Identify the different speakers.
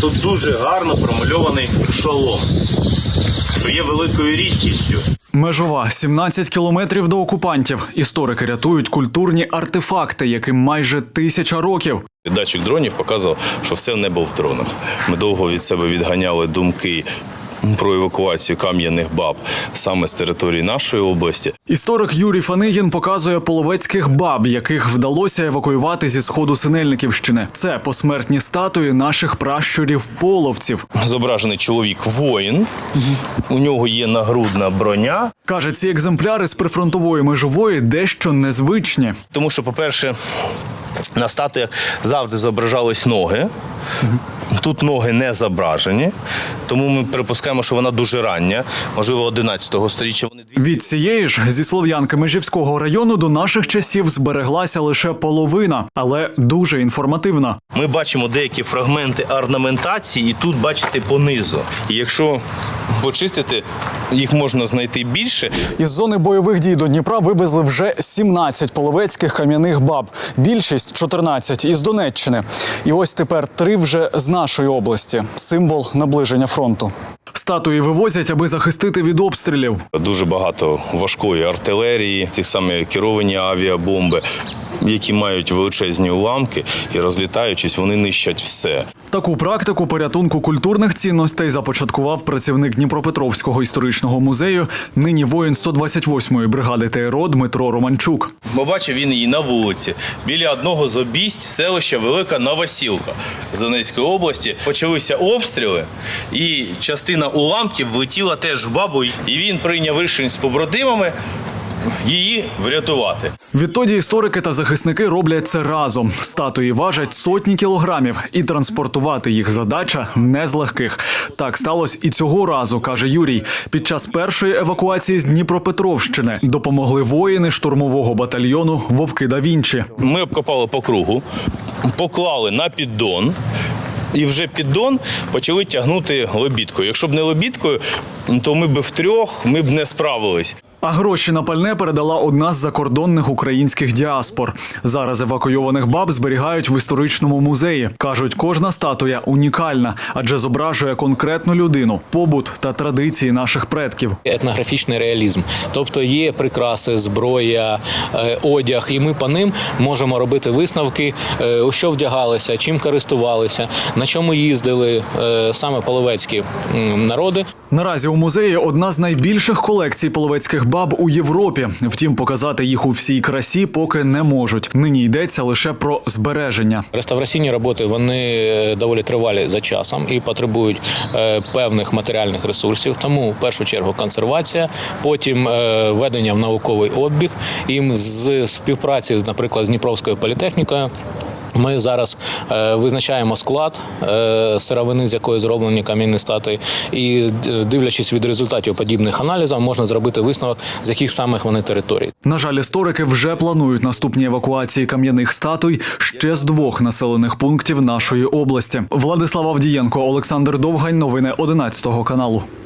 Speaker 1: Тут дуже гарно промальований шолом, що є великою рідкістю.
Speaker 2: Межова – 17 кілометрів до окупантів. Історики рятують культурні артефакти, яким майже 1000 років.
Speaker 1: Датчик дронів показував, що все небо в дронах. Ми довго від себе відганяли думки про евакуацію кам'яних баб саме з території нашої області.
Speaker 2: Історик Юрій Фанигін показує половецьких баб, яких вдалося евакуювати зі сходу Синельниківщини. Це посмертні статуї наших пращурів-половців.
Speaker 1: Зображений чоловік-воїн, у нього є нагрудна броня.
Speaker 2: Каже, ці екземпляри з прифронтової межової дещо незвичні.
Speaker 1: Тому що, по-перше, на статуях завжди зображались ноги. Тут ноги не зображені, тому ми припускаємо, що вона дуже рання, можливо, 11-го сторіччя.
Speaker 2: Від цієї ж зі Слов'янки Межівського району до наших часів збереглася лише половина, але дуже інформативна.
Speaker 1: Ми бачимо деякі фрагменти орнаментації, і тут бачите понизу. І якщо почистити, їх можна знайти більше.
Speaker 2: Із зони бойових дій до Дніпра вивезли вже 17 половецьких кам'яних баб. Більшість – 14 із Донеччини. І ось тепер 3 вже з нашої області. Символ наближення фронту. Статуї вивозять, аби захистити від обстрілів.
Speaker 1: Дуже багато важкої артилерії, ті самі керовані авіабомби, які мають величезні уламки і, розлітаючись, вони нищать все.
Speaker 2: Таку практику порятунку культурних цінностей започаткував працівник Дніпропетровського історичного музею, нині воїн 128-ї бригади ТРО Дмитро Романчук.
Speaker 1: Побачив він її на вулиці, біля одного з обість селища Велика Новосілка з Донецької області. Почалися обстріли, і частина уламків влетіла теж в бабу, і він прийняв рішення з побратимами її врятувати.
Speaker 2: Відтоді історики та захисники роблять це разом. Статуї важать сотні кілограмів, і транспортувати їх задача не з легких. Так сталося і цього разу, каже Юрій. Під час першої евакуації з Дніпропетровщини допомогли воїни штурмового батальйону «Вовки да Вінчі».
Speaker 1: Ми обкопали по кругу, поклали на піддон, і вже піддон почали тягнути лебідкою. Якщо б не лебідкою, то ми б втрьох не справились.
Speaker 2: А гроші на пальне передала одна з закордонних українських діаспор. Зараз евакуйованих баб зберігають в історичному музеї. Кажуть, кожна статуя унікальна, адже зображує конкретну людину, побут та традиції наших предків.
Speaker 3: Етнографічний реалізм. Тобто є прикраси, зброя, одяг, і ми по ним можемо робити висновки, у що вдягалися, чим користувалися, на чому їздили саме половецькі народи.
Speaker 2: Наразі у музеї одна з найбільших колекцій половецьких баб у Європі. Втім, показати їх у всій красі поки не можуть. Нині йдеться лише про збереження.
Speaker 3: Реставраційні роботи, вони доволі тривалі за часом і потребують певних матеріальних ресурсів. Тому, в першу чергу, консервація, потім введення в науковий обіг. І з співпраці, наприклад, з Дніпровською політехнікою, ми зараз визначаємо склад сировини, з якої зроблені кам'яні статуї, і, дивлячись від результатів подібних аналізів, можна зробити висновок, з яких самих вони територій.
Speaker 2: На жаль, історики вже планують наступні евакуації кам'яних статуй ще з 2 населених пунктів нашої області. Владислав Авдієнко, Олександр Довгань. Новини 11 каналу.